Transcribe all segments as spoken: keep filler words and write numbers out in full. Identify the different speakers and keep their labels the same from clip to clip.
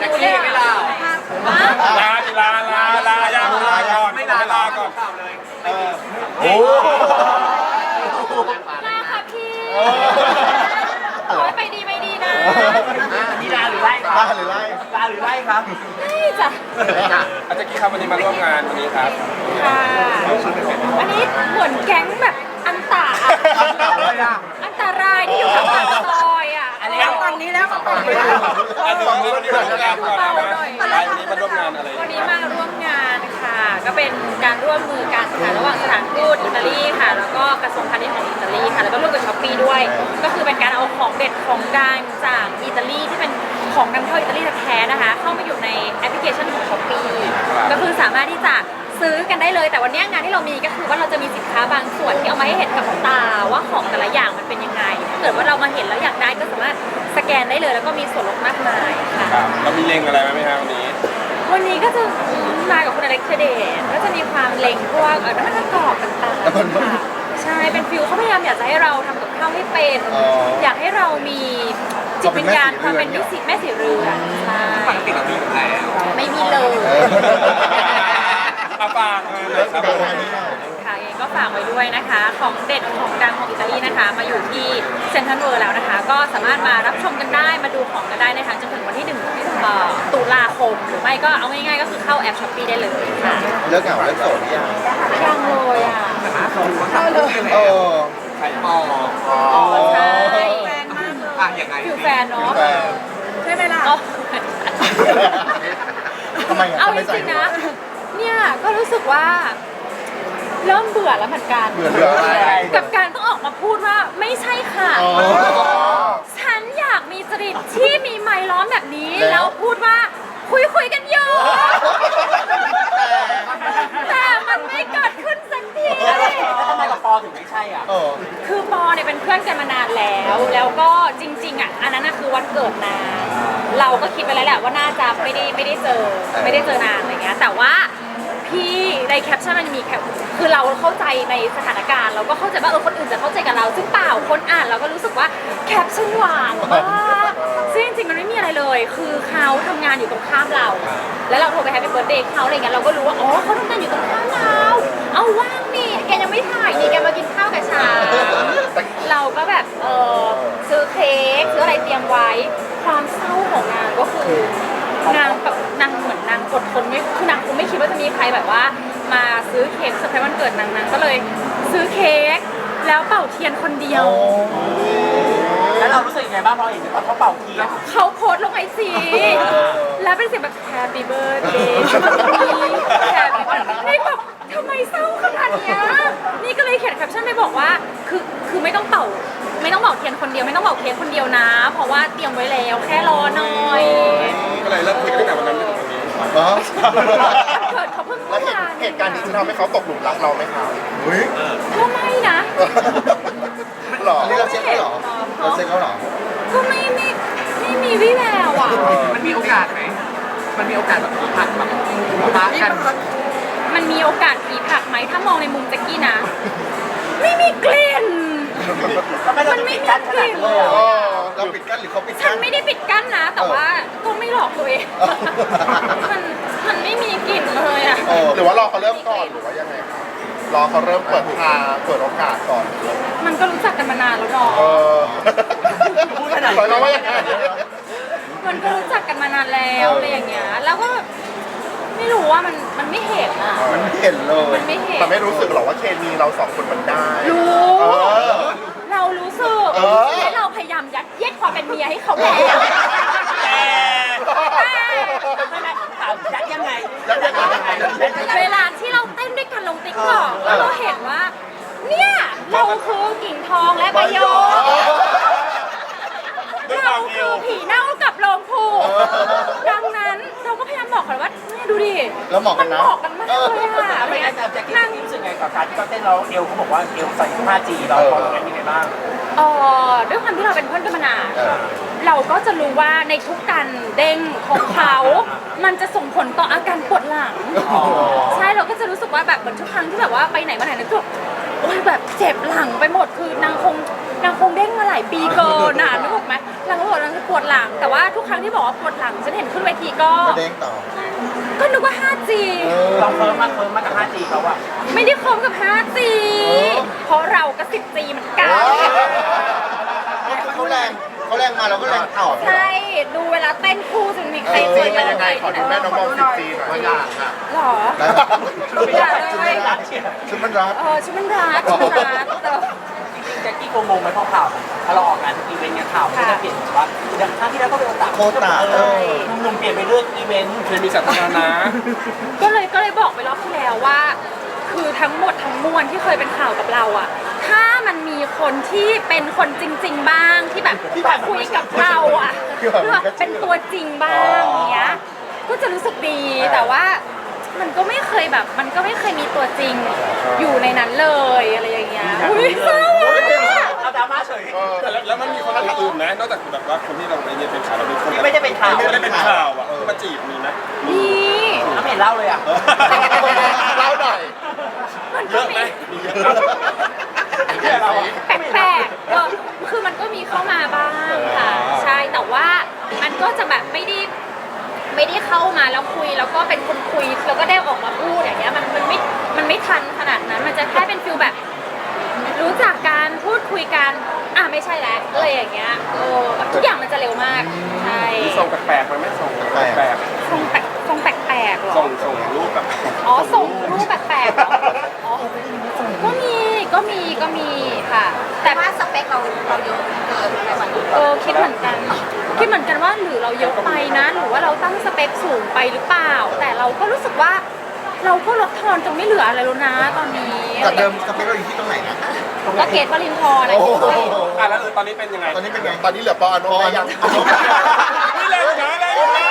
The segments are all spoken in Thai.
Speaker 1: แจ็คกี้ไม่ลาลาลาลาลาลาลาก่อนไม่ลาลาก่อนเลยโอ้
Speaker 2: ลาค่ะพี่ขอให้ไปดีไปดีนะ
Speaker 3: นี่ลาหรือไล่
Speaker 4: ลาหรือไล่
Speaker 3: ลาหรือไล่ครับ
Speaker 2: ไล่จ้ะ
Speaker 1: อาจารย์กี้ครับวันนี้มาร่วมงานวันนี้ครับ
Speaker 2: ค่ะอันนี้เหมือนแก๊งแบบอันตาอันตรายที่อยู่ข้างหลังซอยอ่ะ
Speaker 3: อันนี้ฝั่งนี้แล้วฝั่งนี้
Speaker 1: ฝั่งนี้วันนี้มาร่วมงานก่อนนะวันนี้มาร่วมงานอะไร
Speaker 2: วันนี้มาร่วมงานค่ะก็เป็นการร่วมมือกันค่ะระหว่างสถานทูตอิตาลีค่ะแล้วก็กระทรวงพาณิชย์ของอิตาลีค่ะแล้วก็ร่วมกับช้อปปี้ด้วยก็คือเป็นการเอาของเด็ดของดังจากอิตาลีที่เป็นของนำเข้าอิตาลีแท้ๆนะคะเข้ามาอยู่ในแอปพลิเคชันของช้อปปี้ก็คือสามารถที่จะซื้อกันได้เลยแต่วันนี้งานที่เรามีก็คือว่าเราจะมีสินค้าบางส่วนที่เอามาให้เห็นกับตาว่าของแต่ละอย่างมันเป็นยังไงถ้าเกิดว่าเรามาเห็นแล้วอยากได้ก็สามารถสแกนได้เลยแล้วก็มีส่วนลดมากมายค่ะ
Speaker 1: เรามีเลงอะไรไหมครับวันนี้
Speaker 2: วันนี้ก็จะมากับคุณอเล็กซ์เดชก็จะมีความเล็งพวกเออน้ำมันประกอบต่างๆค่ะใช่เป็นฟิลเขาพยายามอยากจะให้เราทำกับข้าวให้เป็นอยากให้เรามีจิตวิญญาณความเป็นมิสิแม่สีเรือนใช่
Speaker 1: ปกติเรามีอยู่แล้ว
Speaker 2: ไม่มีเลย
Speaker 1: ฝากเลยครับ
Speaker 2: ค่ะเองก็ฝากไว้ด้วยนะคะของเด็ดของดังของอิตาลีนะคะมาอยู่ที่เซ็นทรัลเวิลด์แล้วนะคะก็สามารถมารับชมกันได้มาดูของกันได้นะคะจนถึงวันที่หนึ่งตุลาคมหรือไม่ก็เอาง่ายๆก็คือเข้าแอปช้อปปี้ได้เลยค่ะ
Speaker 4: เลิกเหงาเลิกโสดยัง
Speaker 2: ยังเลยอ่ะ
Speaker 1: เข้าเลยเออใครมอง
Speaker 2: อ๋อใช่
Speaker 1: แฟนมากเลยอ่ะยังไง
Speaker 2: คือแฟนเนาะใช่ไหมล่ะ
Speaker 4: ทำไม
Speaker 2: เอาจริงๆนะเนี่ยก็รู้สึกว่าเริ่มเบื่อแล้วเหมือนกัน
Speaker 4: เบื่อเบื่ออะไร
Speaker 2: กับการต้องออกมาพูดว่าไม่ใช่ค่ะฉันอยากมีจริตที่มีไมค์ล้อมแบบนี้แล้วพูดว่าคุยคุยกันอยู่แต่มันไม่เกิดขึ้นสักที
Speaker 3: ทำไมกับปอถึงไม่ใช่อ่ะ
Speaker 2: คือปอเนี่ยเป็นเพื่อนกันมานานแล้วแล้วก็จริงๆอ่ะอันนั้นคือวันเกิดนางเราก็คิดไปแล้วแหละว่าน่าจะไม่ได้ไม่ได้เจอไม่ได้เจอนานอะไรเงี้ยแต่ว่าพี่ในแคปชั่นมันมีแคปคือเราเข้าใจในสถานการณ์เราก็เข้าใจว่าเออคนอื่นจะเข้าใจกับเราซึ่งเปล่าคนอ่านเราก็รู้สึกว่าแคปชั่นหวานมากซึ่งจริงๆมันไม่มีอะไรเลยคือเขาทำงานอยู่ตรงข้ามเราแล้วเราโทรไปแฮปปี้เบิร์ธเดย์เขาอะไรเงี้ยเราก็รู้ว่าอ๋อเขาทำงานอยู่ตรงข้ามเราเอาว่างนี่แกยังไม่ถ่ายนี่แกมากินข้าวกับฉันเราก็แบบเออซื้อเค้กซื้ออะไรเตรียมไว้ความเศร้าของนางก็คือนางแบบนางเหมือนนางอดทนไม่คือนางคงไม่คิดว่าจะมีใครแบบว่ามาซื้อเค้กเซอร์ไพรส์วันเกิดนางนางก็เลยซื้อเค้กแล้วเป่าเทียนคนเดียว
Speaker 3: แล้วเรารู้สึกยังไงบ้างพอเห็นเขาเป่าเทียน
Speaker 2: เขาโพสต์ลงไอจีแล้วเป็นเสียงแบบ Happy Birthday แฮปปี้นี่แบบทำไมเศร้าขนาดนี้นี่ก็เลยเขียนแคปชั่นไปบอกว่าคือคือไม่ต้องเป่าไม่ต้องเป่าเทียนคนเดียวไม่ต้องเป่าเค้กคนเดียวนะเพราะว่าเตรียมไว้แล้วแค่รอหน่อย
Speaker 1: ก็เลยเริ่มคุยกันตั้งแต่วันนั้นจนถึงวันนี้
Speaker 2: เกิดเขาเพิ่ง
Speaker 4: แล้วเหตุการณ์นี้ทำให้เขาตกหลุมรักเราไหมครับ
Speaker 2: ก็ไม่นะ
Speaker 4: หรอนี่เราเช็คเขาหรอเราเช็คเขาหรอ
Speaker 2: ก็ไม่ไม่ไม่มีวี่แววอ่ะ
Speaker 1: มันมีโอกาสไหมมันมีโอกาสแบบผีผักแบบรักกัน
Speaker 2: มันมีโอกาสผีผักไหมถ้ามองในมุมแจ็คกี้นะไม่มีกลิ่น
Speaker 3: มันไม่มีกลิ่นเลย
Speaker 4: เราปิดกั้นหรือเขาปิดกั้น
Speaker 2: ฉันไม่ได้ปิดกั้นนะแต่ว่าก็ไม่หลอกตัวเองมันมันไม่มีกลิ่นเลยอ่ะ
Speaker 4: หรือว่ารอเขาเริ่มก่อนหรือว่ายังไงครับรอเขาเริ่มเปิดทางเปิดโอกาสก่อน
Speaker 2: มันก็รู้จักกันมานานแล้วเนาะ
Speaker 3: พูดขนาด
Speaker 4: นี้ว่ายังไง
Speaker 2: มันก็รู้จักกันมานานแล้วอะไรอย่างเงี้ยแล้วก็ไม่รู้ว่ามันมันไม่เห็นอ่ะ
Speaker 4: มันไม่เห็นเลย
Speaker 2: มันไม่เห็น
Speaker 4: แต่ไม่รู้สึกหรอกว่าเคมีเราสองคนมันได้
Speaker 2: รู้เรารู้สึกและเราพยายามยัดเยียดความเป็นเมียให้เขาแล้ว
Speaker 3: ยัดยังไง
Speaker 2: เวลาที่เราเต้นด้วยกันลงติ๊กต็อกแล้วเราเห็นว่าเนี่ยเราคือกิ่งทองและใบโยเราคือผีเน่ากับโลงผูดังนั้นเราก็พยายามบอกเขาว่าเนี่ยดูดิ
Speaker 4: แล้วเหมาะกันนะ
Speaker 2: เหมาะกันมากเลยค่ะ
Speaker 3: ไม่งั้นแจ็คกี้รู้สึกไงกับการที่เขาเต้นเราเอวเขาบอกว่าเอวใส่ ห้าจี เราพอตรงนั้นยังไงบ้าง
Speaker 2: เออด้วยความที่เราเป็นเพื่อนกันมานานเราก็จะรู้ว่าในทุกการเด้งของเขามันจะส่งผลต่ออาการปวดหลังใช่เราก็จะรู้สึกว่าแบบเหมือนทุกครั้งที่แบบว่าไปไหนมาไหนนึกว่าโอ้ยแบบเจ็บหลังไปหมดคือนางคงนางคงเด้งมาหลายปีเกินนานนึกออกไหมหลังก็บอกนางปปวดหลังแต่ว่าทุกครั้งที่บอกว่าปวดหลังฉันเห็นขึ้นเวทีก็
Speaker 4: ก็เด้งต่อ
Speaker 2: ก็นึกว่า ไฟว์จี
Speaker 4: เออ
Speaker 3: ลองเพิ่มมากเพิ่มมากกับ ไฟว์จี เขาอะ
Speaker 2: ไม่ได้คมกับ ไฟว์จี
Speaker 4: เออ
Speaker 2: เพราะเราก็ สิบจี เหมือนกัน
Speaker 4: เขาแรงเขาแรงมาเราก็แรงต่อ
Speaker 2: ใช่ ดูเวลาเต้นคู่จะมีใคร
Speaker 4: ซี
Speaker 2: เจอ
Speaker 4: เป็นยังไงขอดูแม่น้องมองสิบซีหน่อยตัวอย่างอ่ะ
Speaker 2: หรอ
Speaker 3: ไม่ได้ไม่ได้เชียร์
Speaker 4: ชุดมันรัด
Speaker 2: เออชุดมันรัดชุดมันรัดแต่
Speaker 3: จริงๆแจ็คกี้โกงงไหมเพราะข่าวถ้าเราออกงานทุกอีเวนต์งานข่าวก็จะเปลี่ยนว่าอย่างครั้งที่แล้วก็เป็นโอตา
Speaker 4: โคตา
Speaker 3: เออหนุ่มๆเปลี่ยนไปเลือกอีเวนต์
Speaker 1: เคมีสัตว์นานะ
Speaker 2: ก็เลยก็เลยบอกไปรอบที่แล้วว่า คือทั้งหมดทั้งมวลที่เคยเป็นข่าวกับเราอะถ้ามันมีคนที่เป็นคนจริง ๆ บ้างที่แบบคุยกับเราอะเพื่อเป็นตัวจริงบ้างอย่างเงี้ยก็จะรู้สึกดีแต่ว่ามันก็ไม่เคยแบบ มันก็ไม่เคยมีตัวจริงอยู่ในนั้นเลยอะไรอย่างเงี้ยอุ้ยเศร้าอะ
Speaker 3: เอาดราม่าเฉย
Speaker 4: เออ
Speaker 1: แล้วแล้วมันมีคนอื่นไหมนอกจากแบบว่าคนที่เราในเนี่ยเป็นข่าวเราเป็นคน
Speaker 3: ที่ไม่ได้เป็นข่าว
Speaker 1: ที่ไม่ได้เป็นข่าวอ่ะที่มาจีบมีไหม
Speaker 2: นี่
Speaker 3: น้ำเห็นเล่าเลยอ่ะ
Speaker 4: เล่าหน่อย
Speaker 2: มัน
Speaker 1: เย
Speaker 2: ก็
Speaker 1: อะไหม
Speaker 2: มี
Speaker 1: มีเยอะไหม
Speaker 2: แปลกๆเออคือมันก็มีเข้ามาบ้างค่ะ ใช่ แต่ว่ามันก็จะแบบไม่ได้ไม่ได้เข้ามาแล้วคุยแล้วก็เป็นคนคุยแล้วก็ได้ออกมาพูดอย่างเงี้ย มันมันไม่ มันไม่ทันขนาดนั้น มันจะแค่เป็นฟิลแบบ รู้จักการพูดคุยกัน อ่ะไม่ใช่แล้วอะไรอย่างเงี้ยเออทุกอย่างมันจะเร็วมาก ใช่
Speaker 1: มีส่งแปลกๆมาไหมส่งแปลก
Speaker 2: ทรงแปลกทรงแปลกๆเหร
Speaker 1: ๆ
Speaker 2: อ
Speaker 1: ส่งส่งรูปแบบ
Speaker 2: อ๋อส่งรูปแปลกๆเหรออ๋อก็มีก็มีก็มีค่ะ แต่
Speaker 5: ว่าสเปคเราเราเยอะเกินในวันนี้
Speaker 2: เออคิดเหมือนกันคิดเหมือนกันว่าหรือเราเยอะไปนะหรือว่าเราตั้งสเปคสูงไปหรือเปล่า แต่เราก็รู้สึกว่า เราก็ลดทอนจนไม่เหลืออะไรแล้วนะตอนนี้
Speaker 4: จากเดิมสเปคเราอยู่ที่ตรงไหนนะ
Speaker 2: ก็เกตวลินทร์อะไร
Speaker 4: โอ้โห
Speaker 1: อ่ะแล้วตอนนี้เป็นยังไง
Speaker 4: ตอนนี้เป็นไง ตอนนี้เหลือปออนุแม่ยัง
Speaker 1: นี่เลยนะเลย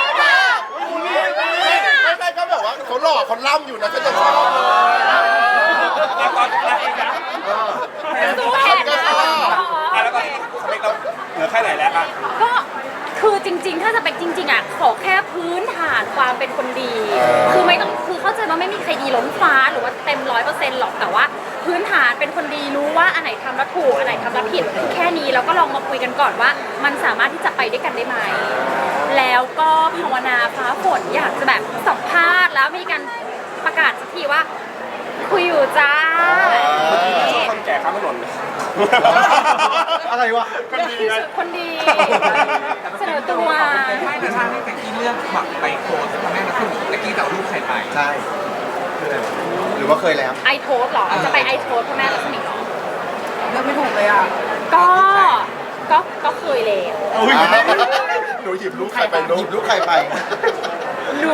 Speaker 4: ไม่ได้ก็แบบว่าเขาหล่อเขาล่ำอยู่นะฉันจะชอบเลย
Speaker 1: แล้วตอนอ่ะ
Speaker 2: สู้แทนนะ
Speaker 1: อ่ะแล้วตอนสเปคเราเหลือแค่ไหนแล้วอ่ะ
Speaker 2: ก็คือจริง ๆ ถ้าสเปคจริง ๆอ่ะขอแค่พื้นฐานความเป็นคนดี คือไม่ต้องคือเข้าใจว่าไม่มีใครดีล้นฟ้าหรือว่าเต็มร้อยเปอร์เซ็นต์หรอกแต่ว่า พื้นฐานเป็นคนดีรู้ว่าอันไหนทำแล้วถูกอันไหนทำแล้วผิดแค่นี้แล้วก็ลองมาคุยกันก่อนว่า มันสามารถที่จะไปด้วยกันได้ไหมแล้วก็ภาวนาฟ้าฝนอยากจะแบบสัมภาษณ์แล้วมีการประกาศสักทีว่า คุยอยู่จ้า
Speaker 1: คนแก่ข้ามถนน
Speaker 4: อะไรวะ
Speaker 1: ก็ดีไง
Speaker 2: คนดีเสนอตัว
Speaker 6: ไม่แต่ถ้าให้แต่กี้เลือกหมักไปโพสทำแม่นะคือแต่กี้แต่เอารูปใครไป
Speaker 4: ใช่คืออะไรวะหรือว่าเคยแล้ว
Speaker 2: ไอโทสหรอ จะไปไอโทสพ่อแม่รัศมีหรอ
Speaker 5: เลือกไม่ถูกเลยอ่ะ
Speaker 2: ก็ ก็ ก็เคยเลย
Speaker 4: หนูหยิบลูกใครไปหยิบลูกใครไป
Speaker 2: หนู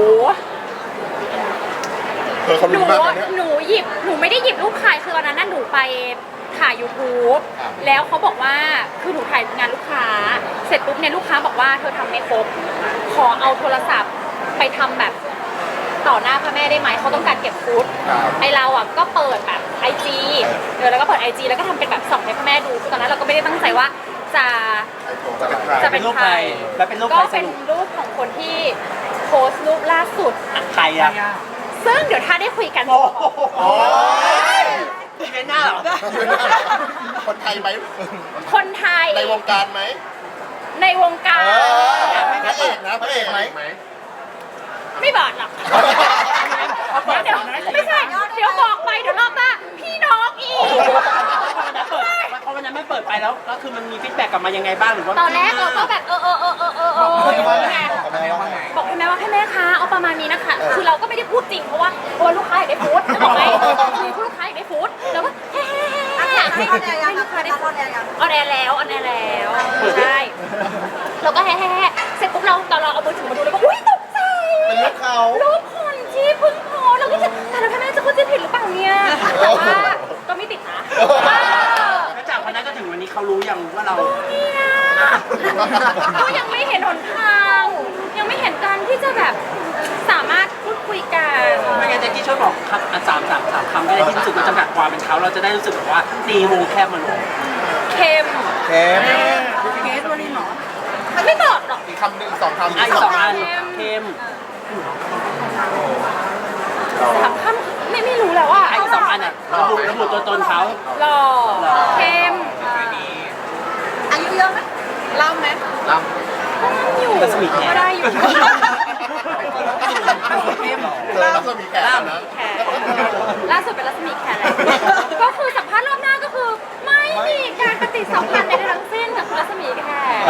Speaker 4: เธอเขา
Speaker 2: หนู
Speaker 4: รู้มากนะเนี่ย
Speaker 2: หนูหยิบ หนูไม่ได้หยิบรูปใครคือวันนั้นน่ะหนูไปถ่าย YouTube
Speaker 4: ครับ
Speaker 2: แล้วเขาบอกว่า คือหนูถ่ายงานลูกค้า เสร็จปุ๊บเนี่ยลูกค้าบอกว่าเธอทำไม่ครบ ขอเอาโทรศัพท์ไปทำแบบต่อหน้าพระแม่ได้ไหม เขาต้องการเก็บฟุต
Speaker 4: ครับ
Speaker 2: ไอเราอ่ะก็เปิดแบบไอจีเออแล้วก็เปิดไอจีแล้วก็ทำเป็นแบบส่องให้พ่อแม่ดูคือตอนนั้นเราก็ไม่ได้ตั้งใจว่าจะ
Speaker 4: จะเป็นใคร
Speaker 2: จะเป็
Speaker 3: เป็น นรูปใครแล้วเป็นรูป
Speaker 2: ก็
Speaker 3: ใครส
Speaker 2: เป็น
Speaker 3: รุป
Speaker 2: รูปของคนที่โพสต์รูปล่าสุด
Speaker 3: ใครอ่ะ
Speaker 2: ซึ่งเดี๋ยวถ้าได้คุยกัน
Speaker 3: โอ้โหอีเวนต์หน้าเหรอ
Speaker 4: คนไทยไหม
Speaker 2: คนไทย
Speaker 4: ในวงการไหม
Speaker 2: ในวงการ
Speaker 4: เออพระเอกนะพระเอกไหม
Speaker 2: ไม่บอกหรอกเดี๋ยวไม่ใช่เดี๋ยวบอกไปเดี๋ยวรอบหน้าพี่น้องอีก
Speaker 3: เพราะวันนั้นไม่เปิดไปแล้วก็คือมันมีฟีดแบ็กกลับมายังไงบ้างหรือว่า
Speaker 2: ตอนแรกเราก็แบบเออเออเออเออเออเออ
Speaker 4: บอกว่าไง
Speaker 2: ไง
Speaker 4: บอกแม่ว่าไง
Speaker 2: บอกให้แม่ว่าให้แม่คะเอาประมาณนี้นะคะ คือเราก็ไม่ได้พูดจริงเพราะว่าเพราะว่าลูกค้าอยากได้ฟู้ดจะบอกไหมคือลูกค้าอยากได้ฟู้ดแล้วก็เฮ้
Speaker 5: ออนแอร์ยัง
Speaker 2: ให้ลูกค้าได้
Speaker 5: อ
Speaker 2: ฟู้
Speaker 5: อ
Speaker 2: ด
Speaker 5: นแอร์ยัง
Speaker 2: ออนแอร์แล้วออนแอร์แล้วใช่เราก็แฮ่แฮ่เสร็จปุ๊บเราตอนเราเอามือถือมาดูแล้วก็อุ้ยตกใจ
Speaker 4: เป็นลูกเขา
Speaker 2: รูปคนที่เพิ่งโพสต์เราก็จะแต่เราแม่จะเข้าใจผิดหรือเปล่าเนี่ยแต่ว่าก็ไม่ติดนะ
Speaker 3: แล้วจากวันนั้นจนถึงวันนี้เขารู้ยังว่าเรา
Speaker 2: เนี่ยก็ยังไม่เห็นหนทาง ยังไม่เห็นการที่จะแบบสามารถพูดคุยกัน
Speaker 3: ไม่งั้นแจ็คกี้ช่วยบอกครับอ่ะสามสามสามคำก็ได้ที่รู้สึกว่าจำกัดความเป็นเขาเราจะได้รู้สึกแบบว่าตีวงแคบมันลง
Speaker 2: เค็ม
Speaker 4: เค็ม
Speaker 5: เกสวันนี้หรอ
Speaker 2: ไม่บอกหรอก
Speaker 4: อีกคำหนึ่งสองคำ
Speaker 3: อ่ะอีกสองอันเข้ม
Speaker 2: สามคำไม่ไม่รู้แล้วอ่ะ
Speaker 3: อ่ะอีกสองอันอ่ะระบุระบุตัวตนเขา
Speaker 2: หล่อเค็ม
Speaker 5: อายุเยอะไหม
Speaker 2: ห
Speaker 5: ล่ำไหม
Speaker 4: ล่
Speaker 2: อยู่ก็ได้อยู่
Speaker 4: ำเจอรัศมีแขนนะ
Speaker 2: แขกล่าสุดเป็นรัศมีแขกแล้วก็คือสัมภาษณ์รอบหน้าก็คือ ไม่มีการปฏิสัมพันธ์ใดๆทั้งสิ้นกับคุณรัศมีแขก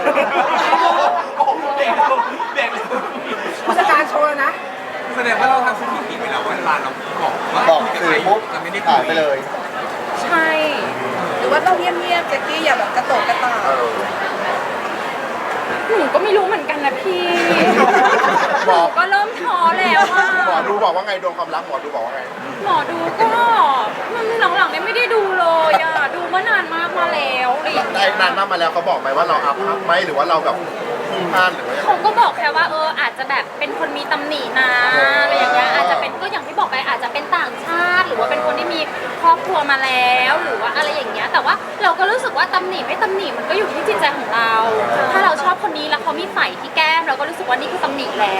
Speaker 3: เด็กเด็ก
Speaker 5: ผู้จัดการโชว์นะ
Speaker 6: แสดงว่าเราทำสถิติไปแล้วว่าเวลาเราบอกว่า
Speaker 4: บอก
Speaker 6: คุยกับ
Speaker 4: สื่
Speaker 6: ใคร
Speaker 4: อปุ๊บ
Speaker 6: จะไม่ได้คุ
Speaker 4: หาย
Speaker 6: ย
Speaker 4: ไปเลย
Speaker 2: ใช่
Speaker 5: หรือว่าต้องเงียบๆแจ็คกี้อย่าแบบกระโตกกระตาก
Speaker 4: เออ
Speaker 2: หนูก็ไม่รู้เหมือนกันนะพี่
Speaker 4: หมอ
Speaker 2: ก็เริ่มท้อแล้วว่า
Speaker 4: หมอดูบอกว่าไงดวงความรักหมอดูบอกว่าไง
Speaker 2: หมอดูก็มันหลังๆเนี่ยไม่ได้ดูเลยอ่ะดูมานานมากมาแล้วอะไรอย่าง
Speaker 4: ได้
Speaker 2: เงี้ย
Speaker 4: นานมากมาแล้วเขาบอกไหมว่าเราอัพอัพไหมหรือว่าเราแบบพุ่งพลาดหรือว่ายังไง
Speaker 2: เขาก็บอกแค่ว่าเอออาจจะแบบเป็นคนมีตำหนินะอะไรอย่างเงี้ยอาจจะเป็นก็อย่างที่บอกไปอาจจะเป็นต่างชาติ หรือว่าเป็นคนที่มีครอบครัวมาแล้วหรือว่าอะไรอย่างเงี้ยแต่ว่าเราก็รู้สึกว่าตำหนิไม่ตำหนิมันก็อยู่ที่จิตใจของเรา ถ้าเราชอบคนนี้แล้วเขามีไฝที่แก้มเราก็รู้สึกว่านี่คือตำหนิแล้ว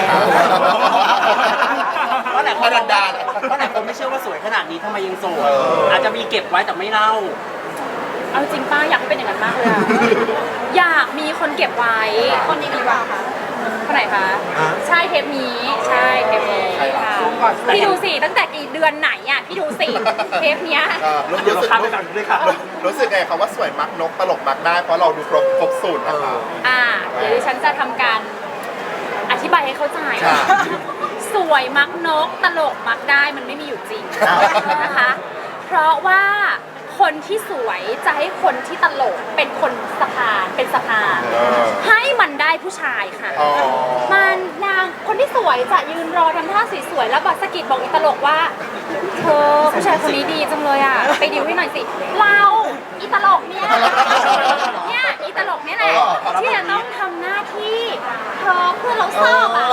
Speaker 3: เพราะหลายคนเพราะหลายคนไม่เชื่อว่าสวยขนาดนี้ทำไมยังโสดอาจจะมีเก็บไว้แต่ไม่เล่า
Speaker 2: เอาจริงป้าอยากให้เป็นอย่างนั้นมากเลยอะอยากมีคนเก็บไว้คนนี้หรือเปล่าคะคนไหนคะใช่เทปนี้ใช่เทปนี้ค่ะพี่ดูสิตั้งแต่กี่เดือนไหนอ่ะพี่ดูสิเทปเนี้ย
Speaker 4: เออรู้
Speaker 3: เดี๋ยว
Speaker 4: รู้
Speaker 3: เรา
Speaker 4: สึก
Speaker 3: ข้ามไปฝั่งนู้นเลยค่ะ
Speaker 4: รู้สึกไงครับว่าสวยมักนกตลกมักได้เพราะเราดูครบครบสูตรนะคะ
Speaker 2: อ่าเดี๋ยวดิฉันจะทำการอธิบายให้เข้าใจ
Speaker 4: ค่ะ
Speaker 2: สวยมักนกตลกมักได้มันไม่มีอยู่จริงนะคะ เพราะว่าคนที่สวยจะให้คนที่ตลกเป็นคนสะพานเป็นสะพาน
Speaker 4: เออ
Speaker 2: ให้มันได้ผู้ชายค่ะ
Speaker 4: อ๋อ
Speaker 2: มันนางคนที่สวยจะยืนรอทำท่าสวยๆแล้วบอกสะกิดบอกอีตลกว่าเธอผู้ชายคนนี้ดีจังเลยอ่ะไปดิวให้หน่อยสิเราอีตลกเนี่ยเนี่ยอีตลกเนี่ยแหละที่จะต้องทำหน้าที่เธอเพื่อนเราชอบอ่ะ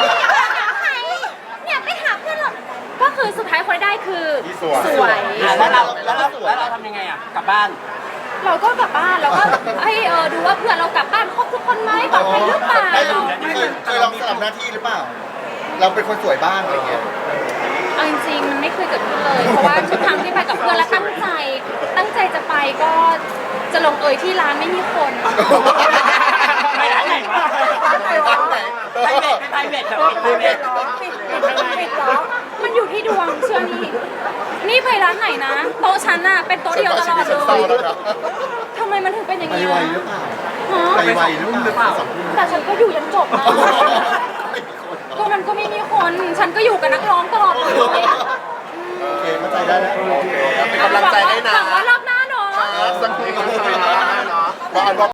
Speaker 2: เนี่ยไปหาเพื่อนเราก็คือสุดท้ายคนได้คือ
Speaker 4: ที่สวย
Speaker 2: สวย
Speaker 3: อ่ะแล้วเราแล้วเราแล้วเราทำยังไงอ่ะกลับบ้าน
Speaker 2: เราก็กลับบ้านเราก็ให้เออดูว่าเพื่อนเรากลับบ้านครบทุกคนไหมปลอดภัยหรือเปล่า
Speaker 4: เคยเคยลองสลับหน้าที่หรือเปล่า เราเป็นคนสวยบ้างอะไรเงี้ย
Speaker 2: เอาจริงๆมันไม่เคยเกิดขึ้นเลย เพราะว่าทุกครั้งที่ไปกับเพื่อนแล้วตั้งใจ ตั้งใจจะไปก็จะลงเอยที่ร้านไม่มีคน
Speaker 3: ไปร้านไหนวะ
Speaker 5: ร้านไหนวะ
Speaker 3: ไพรเวทไพรเวทแบบไพรเวท
Speaker 5: ปิดปิดปิดเหรอ
Speaker 2: มันอยู่ที่ดวงเชื่อนี่นี่ไปร้านไหนนะโต๊ะฉันน่ะเป็นโต๊ะเดียวตลอด
Speaker 4: ฉัน
Speaker 2: เล
Speaker 4: เศร้าย แล้วนะ
Speaker 2: ทำไมมันถึงเป็นอย่าง
Speaker 4: ไป
Speaker 2: นี้
Speaker 4: ไว
Speaker 2: อะ
Speaker 4: หรือเปล่า
Speaker 2: ฮะ
Speaker 4: ไปไวหรือเปล่าสองทุ่ม
Speaker 2: แต่ฉันก็อยู่ยันจบนะก็มันก็ไม่มีคน ฉันก็อยู่กับนักร้องตลอดเลย
Speaker 4: โอเคเข้าใจได้แล้วโอเคเป็นกำลังใจให้นะ
Speaker 2: หวังว่ารอบหน้าเนาะ
Speaker 4: สักทีนะเนาะ